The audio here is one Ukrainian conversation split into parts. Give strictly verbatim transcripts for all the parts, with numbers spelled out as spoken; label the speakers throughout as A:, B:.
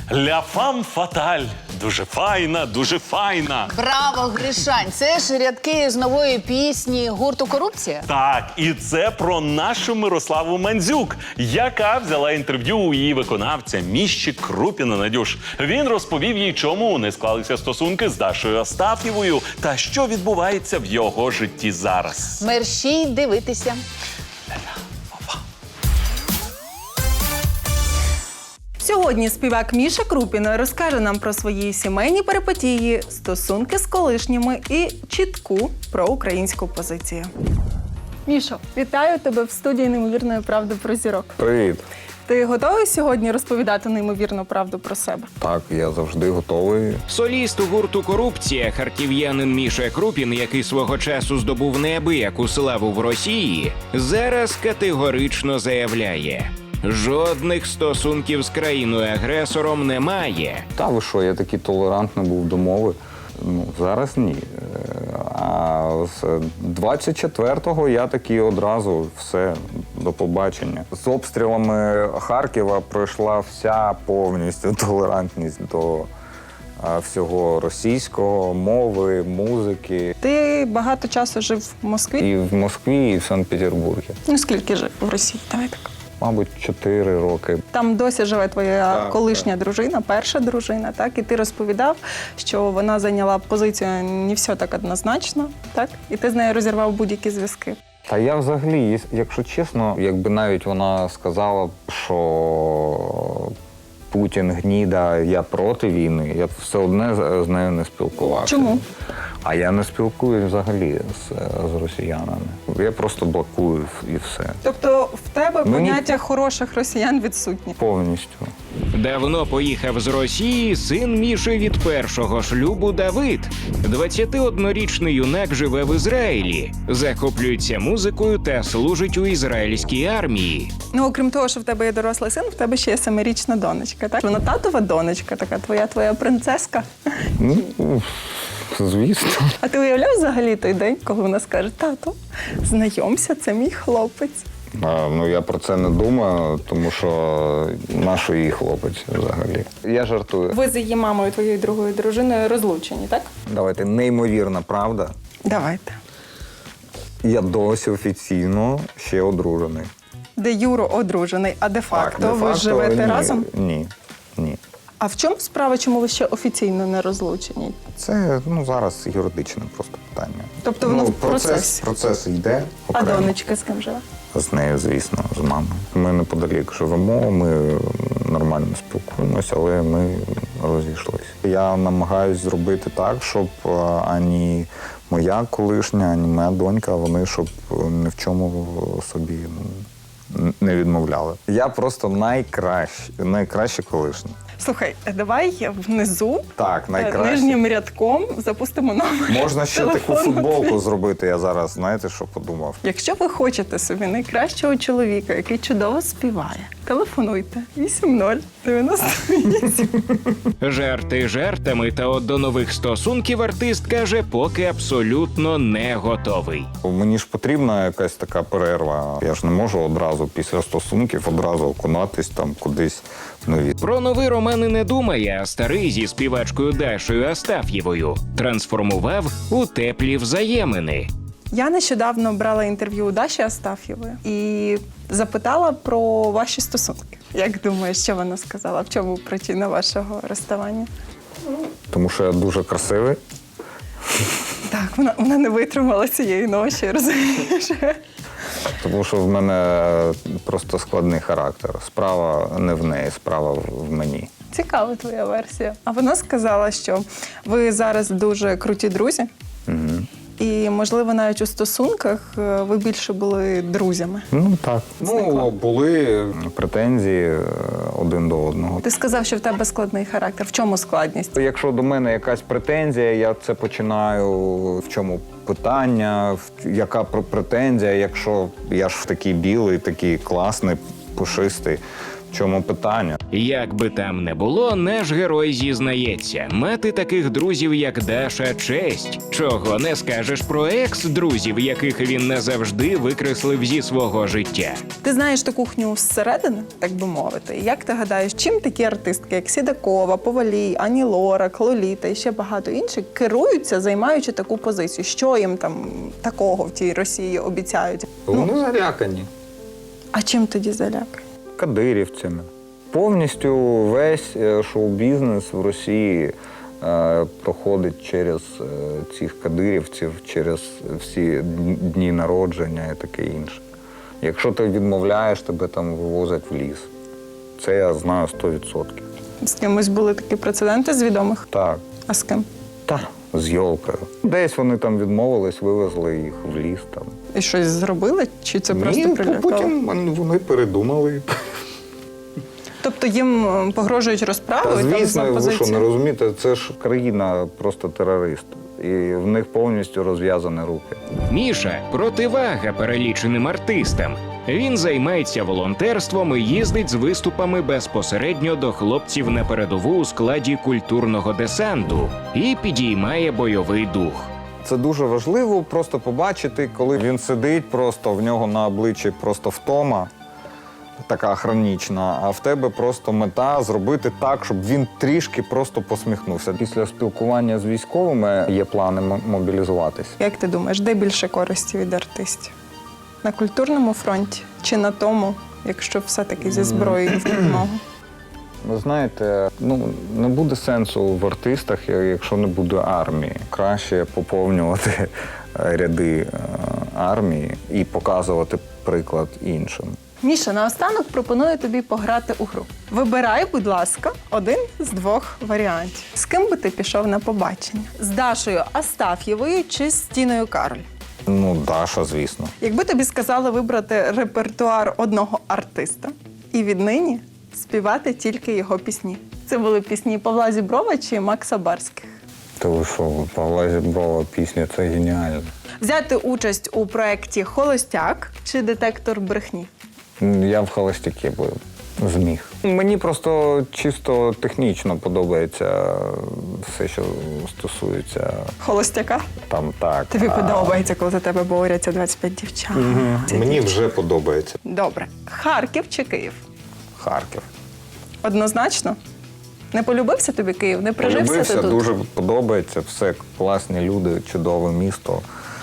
A: Ля фам фаталь. Дуже файна, дуже файна.
B: Браво, Гришань! Це ж рядки з нової пісні гурту «Корупція».
A: Так, і це про нашу Мирославу Мандзюк, яка взяла інтерв'ю у її виконавця Міші Крупіна. Надюш. Він розповів їй, чому не склалися стосунки з Дашою Астаф'євою та що відбувається в його житті зараз.
B: Мерщій дивитися.
C: Сьогодні співак Міша Крупін розкаже нам про свої сімейні перипетії, стосунки з колишніми і чітку проукраїнську позицію. Мішо, вітаю тебе в студії «Неймовірної правди про зірок».
D: Привіт.
C: Ти готовий сьогодні розповідати неймовірну правду про себе?
D: Так, я завжди готовий.
E: Соліст гурту «Корупція», харків'янин Міша Крупін, який свого часу здобув неабияку славу в Росії, зараз категорично заявляє: жодних стосунків з країною-агресором немає.
D: Та ви що, я такий толерантний був до мови. Ну, зараз ні. А з двадцять четвертого я такий одразу все, до побачення. З обстрілами Харкова пройшла вся повністю толерантність до а, всього російського, мови, музики.
C: Ти багато часу жив в Москві?
D: І в Москві, і в Санкт-Петербурзі.
C: Ну, скільки жив в Росії? Давай так.
D: Мабуть, чотири роки.
C: Там досі живе твоя
D: Так,
C: колишня
D: так.
C: дружина, перша дружина, так? І ти розповідав, що вона зайняла позицію не все так однозначно, так? І ти з нею розірвав будь-які зв'язки.
D: Та я взагалі, якщо чесно, якби навіть вона сказала, що Путін гніда, я проти війни, я б все одне з з нею не спілкувався.
C: Чому?
D: А я не спілкуюсь взагалі з, з росіянами. Я просто блокую і все.
C: Тобто в тебе
D: Мені-
C: поняття хороших росіян відсутні?
D: Повністю.
E: Давно поїхав з Росії син Міші від першого шлюбу Давид. двадцятиоднорічний юнак живе в Ізраїлі, захоплюється музикою та служить у ізраїльській армії.
C: Ну, окрім того, що в тебе є дорослий син, в тебе ще є семирічна донечка, так? Вона татова донечка, така твоя твоя принцеска.
D: Ну, звісно.
C: А ти уявляв взагалі той день, коли вона скаже: тато, знайомся, це мій хлопець.
D: А, ну, я про це не думаю, тому що нащо їй хлопець взагалі. Я жартую.
C: Ви з її мамою, твоєю другою дружиною, розлучені, так?
D: Давайте, неймовірна правда.
C: Давайте.
D: Я досі офіційно ще одружений.
C: Де Юро одружений, а де-факто
D: Так,
C: ви
D: де-факто
C: живете
D: ні.
C: разом?
D: Ні, ні.
C: А в чому справа, чому ви ще офіційно не розлучені?
D: Це ну, зараз юридичне просто питання.
C: Тобто воно
D: ну,
C: в процесі?
D: Процес йде
C: А
D: окремо.
C: донечка з ким живе?
D: З нею, звісно, з мамою. Ми неподалік живемо, ми нормально спілкуємося, але ми розійшлися. Я намагаюся зробити так, щоб а, ані моя колишня, ані моя донька, вони щоб ні в чому собі ну, не відмовляли. Я просто найкращий, найкращий колишній.
C: Слухай, давай внизу,
D: Так,
C: е,
D: найкраще.
C: нижнім рядком запустимо номер.
D: Можна ще таку
C: телефону.
D: футболку зробити, я зараз, знаєте, що подумав?
C: Якщо ви хочете собі найкращого чоловіка, який чудово співає, телефонуйте вісім нуль дев'яносто вісім.
E: Жарти жартами, та от до нових стосунків артист каже, поки абсолютно не готовий.
D: Мені ж потрібна якась така перерва. Я ж не можу одразу після стосунків одразу окунатись там кудись в нові.
E: Про новий роман і не думає, а старий зі співачкою Дашою Астаф'євою трансформував у теплі взаємини.
C: Я нещодавно брала інтерв'ю у Даші Астаф'євої і запитала про ваші стосунки. Як думаєш, що вона сказала? В чому причина вашого розставання?
D: Тому що я дуже красивий.
C: Так, вона, вона не витримала цієї ночі, розумієш?
D: Тому що в мене просто складний характер. Справа не в неї, справа в мені.
C: Цікава твоя версія. А вона сказала, що ви зараз дуже круті друзі.
D: Угу.
C: І, можливо, навіть у стосунках е, ви більше були друзями.
D: Ну так.
C: Зникла.
D: Ну, були претензії е, один до одного.
C: Ти сказав, що в тебе складний характер. В чому складність?
D: Якщо до мене якась претензія, я це починаю, в чому питання, в- яка пр- претензія, якщо я ж такий білий, такий класний, пушистий. В чому питання?
E: Як би там не було, наш герой зізнається, мати таких друзів, як Даша, честь. Чого не скажеш про екс-друзів, яких він назавжди викреслив зі свого життя.
C: Ти знаєш ту кухню зсередини, так би мовити. Як ти гадаєш, чим такі артистки, як Сідакова, Повалій, Ані Лорак, Лоліта і ще багато інших, керуються, займаючи таку позицію? Що їм там такого в тій Росії обіцяють?
D: Вони залякані.
C: А чим тоді залякають?
D: Кадирівцями. Повністю весь е, шоу-бізнес в Росії е, проходить через е, цих кадирівців, через всі дні народження і таке інше. Якщо ти відмовляєш, тебе там вивозять в ліс. Це я знаю сто відсотків.
C: З кимось були такі прецеденти з відомих?
D: Так.
C: А з ким?
D: Та, з Йолкою. Десь вони там відмовились, вивезли їх в ліс. Там.
C: І щось зробили? Чи це просто
D: Ні,
C: прилякало?
D: потім вони передумали.
C: Тобто їм е, погрожують
D: Та,
C: розправою там за
D: звісно, ви що, не
C: позицію?
D: розумієте, це ж країна просто терорист. І в них повністю розв'язані руки.
E: Міша – противага переліченим артистам. Він займається волонтерством і їздить з виступами безпосередньо до хлопців на передову у складі культурного десанту і підіймає бойовий дух.
D: Це дуже важливо просто побачити, коли він сидить, просто в нього на обличчі просто втома, така хронічна, а в тебе просто мета зробити так, щоб він трішки просто посміхнувся. Після спілкування з військовими є плани м- мобілізуватися.
C: Як ти думаєш, де більше користі від артистів? На культурному фронті чи на тому, якщо все-таки зі зброєю в допомогу?
D: Ви знаєте, ну не буде сенсу в артистах, якщо не буде армії. Краще поповнювати ряди е, армії і показувати приклад іншим.
C: Міша, наостанок пропоную тобі пограти у гру. Вибирай, будь ласка, один з двох варіантів. З ким би ти пішов на побачення? З Дашою Астаф'євою чи з Тіною Кароль?
D: Ну, Даша, звісно.
C: Якби тобі сказали вибрати репертуар одного артиста і віднині співати тільки його пісні. Це були пісні Павла Зіброва чи Макса Барських?
D: Та ви що, Павла Зіброва пісня, це геніально.
C: Взяти участь у проєкті «Холостяк» чи «Детектор брехні»?
D: Я в холостяки би зміг. Мені просто чисто технічно подобається все, що стосується
C: «Холостяка»?
D: там так.
C: Тобі
D: а
C: подобається, коли за тебе борються двадцять п'ять дівчат. Це
D: Мені
C: дівчата.
D: вже подобається.
C: Добре. Харків чи Київ?
D: Харків.
C: Однозначно? Не полюбився тобі Київ? Не прижився
D: Полюбився,
C: ти тут?
D: дуже подобається, все класні люди, чудове місто.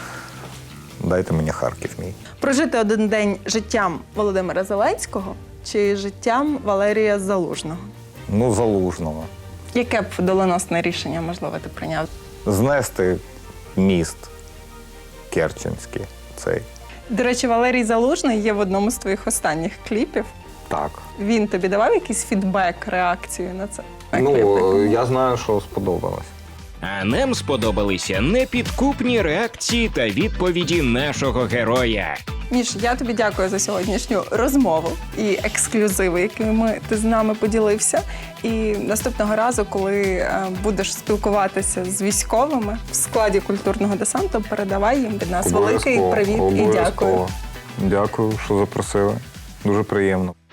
D: Дайте мені Харків мій.
C: Прожити один день життям Володимира Зеленського чи життям Валерія Залужного?
D: Ну, Залужного.
C: Яке б доленосне рішення, можливо, ти прийняв?
D: Знести міст Керченський цей.
C: До речі, Валерій Залужний є в одному з твоїх останніх кліпів.
D: Так.
C: Він тобі давав якийсь фідбек, реакцію на це? На кліп
D: Ну,
C: такий?
D: я знаю, що сподобалось.
E: А нам сподобалися непідкупні реакції та відповіді нашого героя.
C: Міш, я тобі дякую за сьогоднішню розмову і ексклюзиви, якими ти з нами поділився. І наступного разу, коли е, будеш спілкуватися з військовими в складі культурного десанту, передавай їм від нас великий
D: Обов'язково,
C: привіт і
D: обов'язково.
C: дякую.
D: Дякую, що запросили. Дуже приємно.